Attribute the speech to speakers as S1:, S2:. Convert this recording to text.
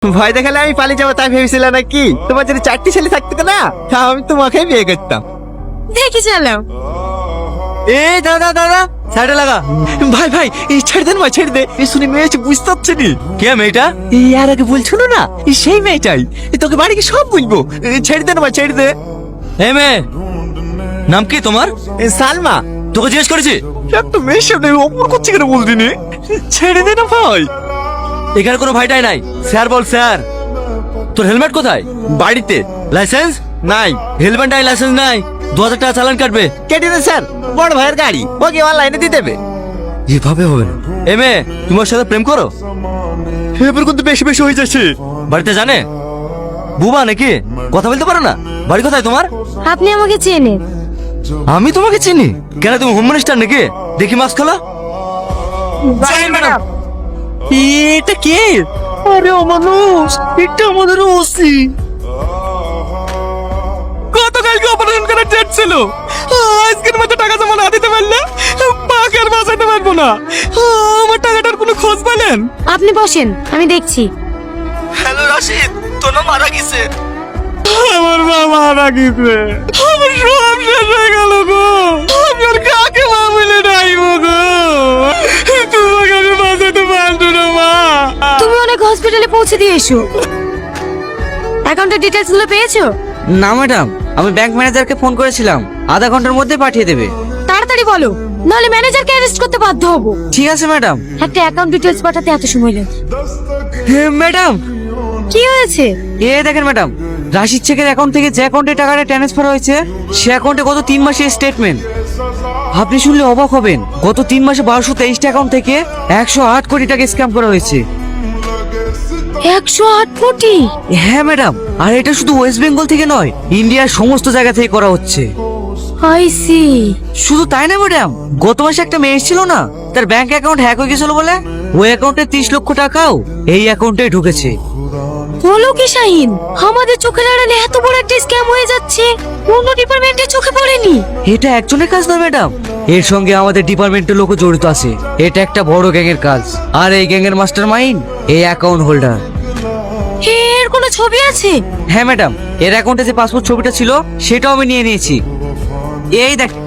S1: ভয় দেখালে আমি পালিয়ে যাবো তাই ভেবেছিলাম নাকি? তোমার যদি 4টি ছেলে থাকতো না আমি তোমাকেই বিয়ে করতাম।
S2: দেখি চালাও।
S1: এ দাদা দাদা সাইডে লাগা। ভাই ভাই এই ছেড়ে দেন ভাই, ছেড়ে দে। এই শুনে মেয়ে বুঝতে পারছি নি। কে মেয়েটা? এই আর আগে বলছিল না, সেই মেয়েটাই। তোকে বাড়ি কি সব বলবো। ছেড়ে দেন ভাই, ছেড়ে দে।
S3: এ মেয়ে, নাম কি তোমার?
S1: সালমা।
S3: তোকে জিজ্ঞেস করেছি?
S1: একটা মেয়ের সামনে অপর করছে কেন বলদিনি? ছেড়ে দে না ভাই।
S3: এখানে কোনো ভাইটাই নাই। স্যার বল স্যার। তোর হেলমেট কোথায়?
S1: বাড়িতে।
S3: লাইসেন্স
S1: নাই।
S3: হেলমেট নাই, লাইসেন্স নাই, 2000 টাকা চালান কাটবে।
S1: কেটে দেন স্যার, বড় ভাইয়ের গাড়ি, ওকে অনলাইনে দিয়ে দেবে।
S3: এভাবে হবে না। এ মেয়ে, তুমি ওর সাথে প্রেম করো?
S1: এবার কিন্তু বেশি বেশি হয়ে যাচ্ছে।
S3: বাড়িতে জানে? বুবা নাকি? কথা বলতে পারো না? বাড়ি কোথায় তোমার?
S2: আপনি আমাকে চেনেন?
S3: আমি তোমাকে চিনি। কেন, তুমি হোম মিনিস্টার নাকি? দেখি মাস্ক খোলা।
S1: এটা কে? আরে ও মানুষ, এটা আমাদের ওসি। গতকালকে অপারেশন করার ডেট ছিল, আজকের মধ্যে টাকা জমা না দিতে পারলে পাকে আর বাঁচাতে পারবো না। আমার টাকাটার কোনো খোঁজ পেলেন?
S2: আপনি বসেন, আমি দেখছি।
S1: হ্যালো রাশিদ, তোর নাম মারা গেছে। আমার মা মারা গেছে, আমার সব শেষ হয়ে গেল গো। আমি আর কাকে মা বলে ডাইবো গো? তোমাকে আমি বাঁচাতে পারবো না মা।
S2: তুমি অনেক হসপিটালে পৌঁছে দিয়ে এসো। অ্যাকাউন্টের ডিটেইলস গুলো পেয়েছো?
S4: না ম্যাডাম, আমি ব্যাংক ম্যানেজারকে ফোন করেছিলাম, আধা ঘন্টার মধ্যে পাঠিয়ে দেবে।
S2: তাড়াতাড়ি বলো, নাহলে ম্যানেজারকে অ্যারেস্ট করতে বাধ্য হব।
S4: ঠিক আছে ম্যাডাম।
S2: একটা অ্যাকাউন্ট ডিটেইলস পাঠাতে এত সময় লাগে?
S4: ম্যাডাম,
S2: কি হয়েছে?
S4: দেখেন ম্যাডাম, রাশিদ শেখের অ্যাকাউন্ট থেকে যে অ্যাকাউন্টে টাকাটা ট্রান্সফার হয়েছে সে অ্যাকাউন্টে গত 3 মাসের স্টেটমেন্ট। আপনি শুনলে অবাক হবেন, গত 3 মাসে 1223টা অ্যাকাউন্ট থেকে 108 কোটি টাকা স্ক্যাম করা হয়েছে।
S2: 108 কোটি?
S4: হ্যাঁ ম্যাডাম, আর এটা শুধু ওয়েস্ট বেঙ্গল থেকে নয়, ইন্ডিয়ার সমস্ত জায়গা থেকে করা হচ্ছে।
S2: I see.
S4: শুধু তাই না ম্যাডাম, গত মাসে একটা মেয়ে এসেছিল না, তার ব্যাংক অ্যাকাউন্ট হ্যাক হয়ে গেছিল বলে ওই অ্যাকাউন্টে 30 লক্ষ টাকাও এই অ্যাকাউন্টে ঢুকেছে।
S2: বলো কি শাহিন, আমাদের চোখের আড়ালে এত বড় একটা স্ক্যাম হয়ে যাচ্ছে, অন্য ডিপার্টমেন্টের চোখে পড়েনি?
S4: এটা একজনের কাজ নয় ম্যাডাম, এর সঙ্গে আমাদের ডিপার্টমেন্টের লোক জড়িত আছে। এটা একটা বড় গ্যাংয়ের কাজ, আর এই গ্যাংয়ের মাস্টার মাইন্ড এই অ্যাকাউন্ট হোল্ডার।
S2: এর কোনো ছবি আছে?
S4: হ্যাঁ ম্যাডাম, এর অ্যাকাউন্টে যে পাসপোর্ট ছবিটা ছিল সেটাও আমি নিয়ে নিয়েছি। এই দেখ।